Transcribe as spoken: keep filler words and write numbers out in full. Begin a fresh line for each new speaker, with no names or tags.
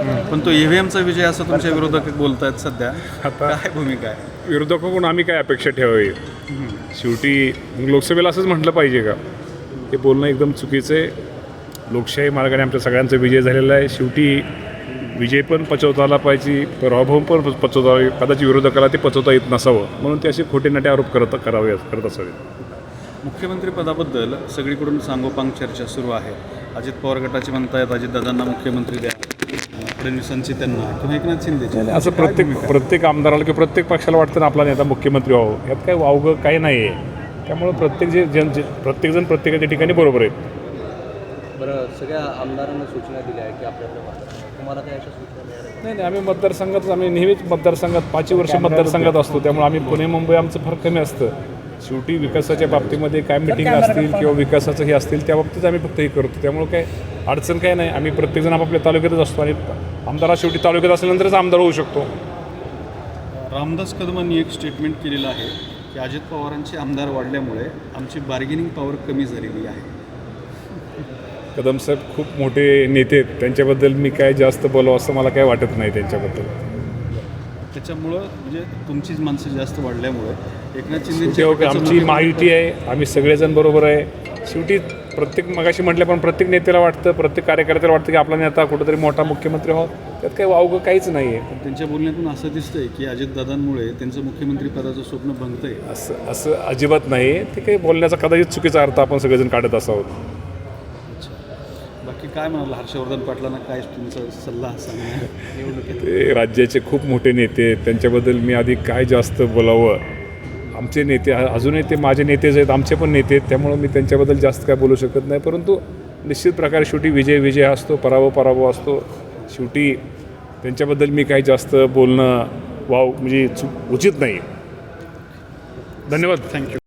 पण तो ईव्हीएमचा विजय असं तुमच्या विरोधक बोलतायत सध्या.
आता
काय भूमिका आहे?
विरोधकाकडून आम्ही काय अपेक्षा ठेवावी? शेवटी लोकसभेला असंच म्हटलं पाहिजे का? हे बोलणं एकदम चुकीचं आहे. लोकशाही मार्गाने आमच्या सगळ्यांचा विजय झालेला आहे. शेवटी विजय पण पचवता आला पाहिजे, पराभव पण पचवता, कदाचित विरोधकाला ते पचवता येत नसावं म्हणून ते असे खोटे नाटे आरोप करत करावे करत असावेत.
मुख्यमंत्रीपदाबद्दल सगळीकडून सांगोपांग चर्चा सुरू आहे. अजित पवार गटाचे म्हणतायत अजितदादांना मुख्यमंत्री द्या, फडणवीसांची त्यांना किंवा एकनाथ शिंदेची.
असं प्रत्येक प्रत्येक आमदाराला किंवा प्रत्येक पक्षाला वाटतं ना आपला नेता मुख्यमंत्री व्हावं. यात काही वावगं काही नाही आहे. त्यामुळं प्रत्येक जे जन जे प्रत्येकजण प्रत्येकाच्या ठिकाणी बरोबर आहेत.
बरं, सगळ्या आमदारांना सूचना दिल्या आहे की आपल्याला तुम्हाला काय अशा सूचना मिळाल्या?
नाही नाही आम्ही मतदारसंघात आम्ही नेहमीच मतदारसंघात पाचही वर्ष मतदारसंघात असतो. त्यामुळे आम्ही पुणे मुंबई आमचं फार कमी असतं. शेवटी विकासाच्या बाबतीमध्ये काय मिटिंग असतील किंवा विकासाचं हे असतील त्या बाबतीत आम्ही फक्त हे करतो. त्यामुळे काय अडचण काय नाही. आम्ही प्रत्येकजण आपापल्या तालुक्यातच असतो आणि आमदारा शेवटी तालुक्यात असल्यानंतरच आमदार होऊ शकतो.
रामदास कदमांनी एक स्टेटमेंट केलेलं आहे की अजित पवारांचे आमदार वाढल्यामुळे आमची बार्गेनिंग पॉवर कमी झालेली आहे.
कदम साहेब खूप मोठे नेते आहेत. त्यांच्याबद्दल मी काय जास्त बोलावं असं मला काय वाटत नाही त्यांच्याबद्दल.
त्याच्यामुळं म्हणजे तुमचीच माणसं जास्त वाढल्यामुळे एकनाथ
शेवटी
शिंदे
आमची माहिती आहे, आम्ही सगळेजण बरोबर आहे. शेवटी प्रत्येक मगाशी म्हटलं पण प्रत्येक नेत्याला वाटतं, प्रत्येक कार्यकर्त्याला वाटतं की आपला नेता कुठंतरी मोठा मुख्यमंत्री व्हावा. त्यात काही वावगं काहीच नाही आहे.
त्यांच्या बोलण्यातून असं दिसतंय की अजितदादांमुळे त्यांचं मुख्यमंत्री पदाचं स्वप्न भंगतंय.
असं असं अजिबात नाही. ते काही बोलण्याचा कदाचित चुकीचा अर्थ आपण सगळेजण काढत असावं.
बाकी काय म्हणाल हर्षवर्धन पाटलांना काय तुमचा सल्ला सांगणार निवडणुकीत?
ते राज्याचे खूप मोठे नेते आहेत. त्यांच्याबद्दल मी आधी काय जास्त बोलावं. आमचे नेते अजूनही ते माझे नेतेच आहेत, आमचे पण नेते आहेत. त्यामुळं मी त्यांच्याबद्दल जास्त काय बोलू शकत नाही. परंतु निश्चित प्रकारे शेवटी विजय विजय असतो, पराभव पराभव असतो. शेवटी त्यांच्याबद्दल मी काही जास्त बोलणं वाव म्हणजे चु उचित नाही. धन्यवाद.
थँक्यू.